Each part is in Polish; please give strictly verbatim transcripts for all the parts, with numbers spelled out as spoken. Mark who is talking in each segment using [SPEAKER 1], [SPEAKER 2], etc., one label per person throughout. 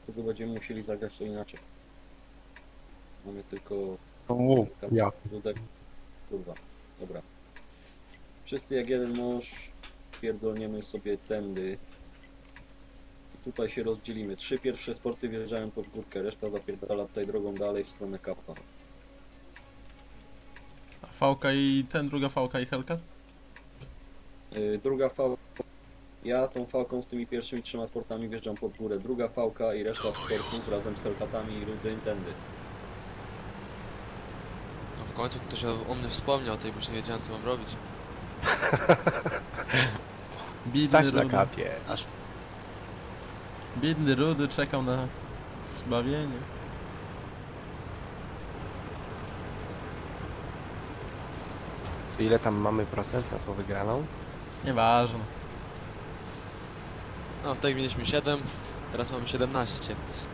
[SPEAKER 1] Dlatego będziemy musieli zagrać to inaczej. Mamy tylko...
[SPEAKER 2] O, ja.
[SPEAKER 1] Dudek. Kurwa. Dobra. Wszyscy jak jeden mąż pierdolniemy sobie tędy. I tutaj się rozdzielimy. Trzy pierwsze sporty wjeżdżają pod górkę, reszta zapierdala tutaj drogą dalej w stronę kapa.
[SPEAKER 3] A Fałka i ten, druga Fałka i Hellcat?
[SPEAKER 1] Yy, druga fałka. Ja tą fałką z tymi pierwszymi trzema sportami wjeżdżam pod górę. Druga fałka i reszta sportów razem z Hellcatami i rudy tędy.
[SPEAKER 4] No w końcu ktoś o, o mnie wspomniał o tej, bo już nie wiedziałem co mam robić.
[SPEAKER 3] Biedny
[SPEAKER 2] Stać na
[SPEAKER 3] Rudy.
[SPEAKER 2] kapie, aż
[SPEAKER 3] Biedny Rudy czekał na zbawienie.
[SPEAKER 2] ile tam mamy procent na tą wygraną?
[SPEAKER 3] Nieważne.
[SPEAKER 4] No tutaj mieliśmy siedem, teraz mamy siedemnaście.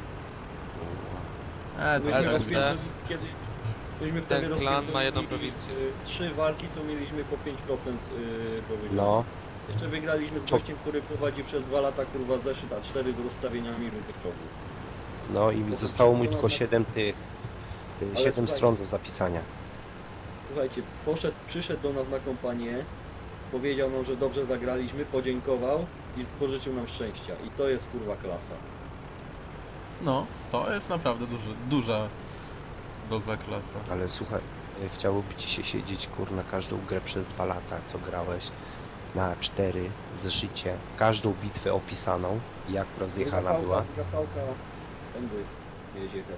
[SPEAKER 3] E, to
[SPEAKER 1] Myśmy
[SPEAKER 4] Ale
[SPEAKER 3] tak
[SPEAKER 4] rozbi-
[SPEAKER 1] rozpierdoli- kiedy... Myśmy wtedy
[SPEAKER 4] Ten klan
[SPEAKER 1] rozpierdolili,
[SPEAKER 4] ma jedną prowincję.
[SPEAKER 1] y, Trzy walki, co mieliśmy po pięć procent y, do wygrania.
[SPEAKER 2] No,
[SPEAKER 1] Jeszcze wygraliśmy z
[SPEAKER 2] Co?
[SPEAKER 1] gościem, który prowadzi przez dwa lata kurwa zeszyt A cztery z rozstawieniami różnych czołgów.
[SPEAKER 2] no i zostało mu tylko siedem tych,
[SPEAKER 1] Ale
[SPEAKER 2] siedem
[SPEAKER 1] słuchajcie.
[SPEAKER 2] stron do zapisania.
[SPEAKER 1] Słuchajcie, poszedł, przyszedł do nas na kompanię, powiedział nam, że dobrze zagraliśmy, podziękował i pożyczył nam szczęścia. I to jest kurwa klasa.
[SPEAKER 3] No, to jest naprawdę duży, duża doza klasa.
[SPEAKER 2] Ale słuchaj, e, chciałoby ci się siedzieć kur na każdą grę przez dwa lata, co grałeś, na cztery w zeszycie, każdą bitwę opisaną, jak rozjechana
[SPEAKER 1] Druga
[SPEAKER 2] była.
[SPEAKER 1] fałka, druga fałka, tędy jedzie jechać.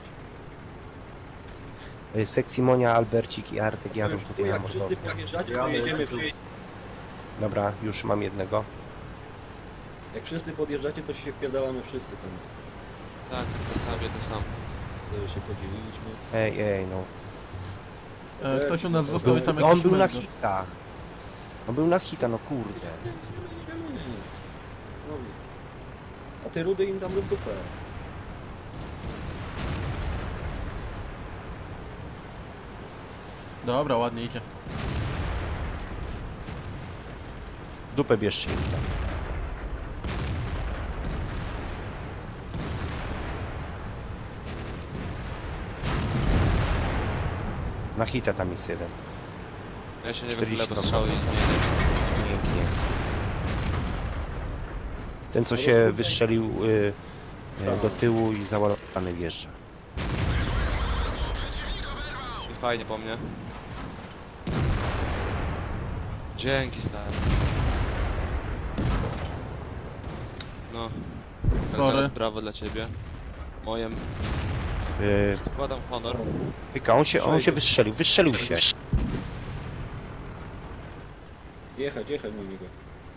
[SPEAKER 2] E, Seksimonia, Albercik i Artek jadą
[SPEAKER 1] Już,
[SPEAKER 2] tutaj na
[SPEAKER 1] jak wszyscy
[SPEAKER 2] mordownię.
[SPEAKER 1] podjeżdżacie, to jedziemy wszyscy.
[SPEAKER 2] Dobra, już mam jednego.
[SPEAKER 1] Jak wszyscy podjeżdżacie, to się wpierdalamy wszyscy tam.
[SPEAKER 4] Tak, zostawię to sam.
[SPEAKER 1] Wtedy się podzieliliśmy.
[SPEAKER 2] Ej, ej, no.
[SPEAKER 3] E, ktoś u nas
[SPEAKER 1] Był-
[SPEAKER 3] został i tam
[SPEAKER 2] on
[SPEAKER 3] jakiś
[SPEAKER 2] był na
[SPEAKER 3] mężczyzn.
[SPEAKER 2] hita. On był na hita, no kurde.
[SPEAKER 1] No. A ty rudy im tam rób dupę.
[SPEAKER 3] Dobra, ładnie idzie.
[SPEAKER 2] Dupę bierzcie im tam. Na hita tam jest jeden.
[SPEAKER 4] Ja się nie
[SPEAKER 2] czterdzieści
[SPEAKER 4] wychylę, bo strzały i zmienię.
[SPEAKER 2] Pięknie. Ten co się wystrzelił y, y, do tyłu i załadowany wjeżdża.
[SPEAKER 4] I fajnie po mnie. Dzięki stary. No,
[SPEAKER 3] Sorry.
[SPEAKER 4] brawo dla ciebie. Mojem
[SPEAKER 2] Y,
[SPEAKER 4] składam honor.
[SPEAKER 2] Pyka, on się, on się wystrzelił, wystrzelił się.
[SPEAKER 1] Jechać, jechać na niego.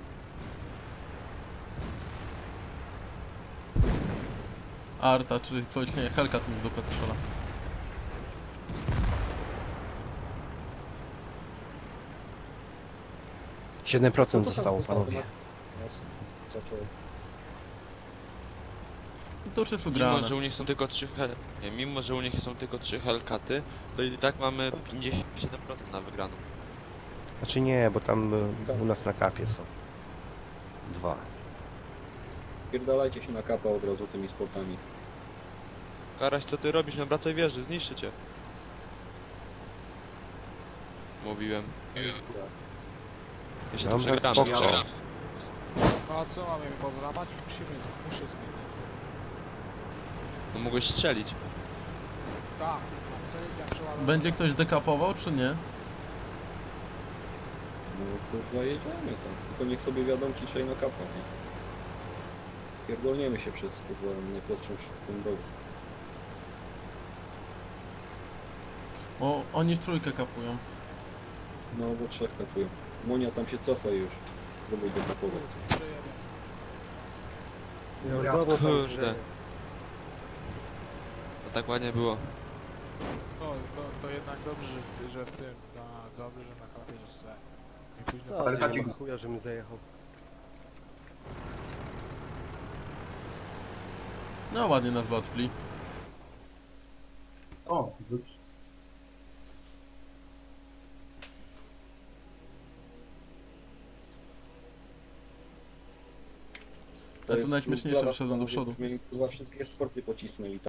[SPEAKER 3] Arta, czy coś, nie, Hellcat mi w dupę strzela.
[SPEAKER 2] siedem procent
[SPEAKER 1] Co to tam
[SPEAKER 2] zostało,
[SPEAKER 1] zostało?
[SPEAKER 2] panowie.
[SPEAKER 1] Jasne. Zaczął.
[SPEAKER 3] To już jest
[SPEAKER 4] Mimo,
[SPEAKER 3] ugrane.
[SPEAKER 4] że u nich są tylko trzy hel... Nie, mimo, że u nich są tylko trzy Hellcaty, to i tak mamy pięćdziesiąt siedem procent na wygraną.
[SPEAKER 2] Znaczy nie, bo tam y, u nas na kapie są. Dwa.
[SPEAKER 1] Pierdalajcie się na kapa od razu tymi sportami.
[SPEAKER 4] Karaś, co ty robisz? No wracaj wieży, zniszczy cię. Mówiłem. Ja się tu
[SPEAKER 2] Dobra,
[SPEAKER 4] przegadamy.
[SPEAKER 2] spoko.
[SPEAKER 4] ale-
[SPEAKER 5] No a co mamy pozdrawiać? Musimy, muszę zmienić.
[SPEAKER 4] No mogłeś strzelić.
[SPEAKER 5] Tak, a strzelić jak przeładować.
[SPEAKER 3] Będzie ktoś dekapował, czy nie?
[SPEAKER 1] No kurwa jedziemy tam. Tylko niech sobie wiadomo ciszej na kapa, nie? Pierdolniemy się przez kurwa najprostszą szybką drogą.
[SPEAKER 3] O, oni w trójkę kapują.
[SPEAKER 1] No bo trzech kapują. Monia tam się cofa już. Próbuj dekapować.
[SPEAKER 5] Przejedę.
[SPEAKER 4] Kurde. To tak ładnie było.
[SPEAKER 5] No, to, to jednak dobrze, że w, ty, że w tym, na, dobrze, że na kapie zostałem. Nie późno
[SPEAKER 1] Co?
[SPEAKER 5] ale
[SPEAKER 1] Ale
[SPEAKER 5] tak
[SPEAKER 1] tak
[SPEAKER 6] chuja, że mi zajechał.
[SPEAKER 3] No ładnie nas załatwili.
[SPEAKER 6] O,
[SPEAKER 1] To
[SPEAKER 3] A co
[SPEAKER 1] jest
[SPEAKER 3] najśmieszniejsze,
[SPEAKER 1] plus dla was,
[SPEAKER 3] wszedłem do
[SPEAKER 1] panowie,
[SPEAKER 3] przodu.
[SPEAKER 1] byśmy im, kurwa, wszystkie sporty pocisnęli.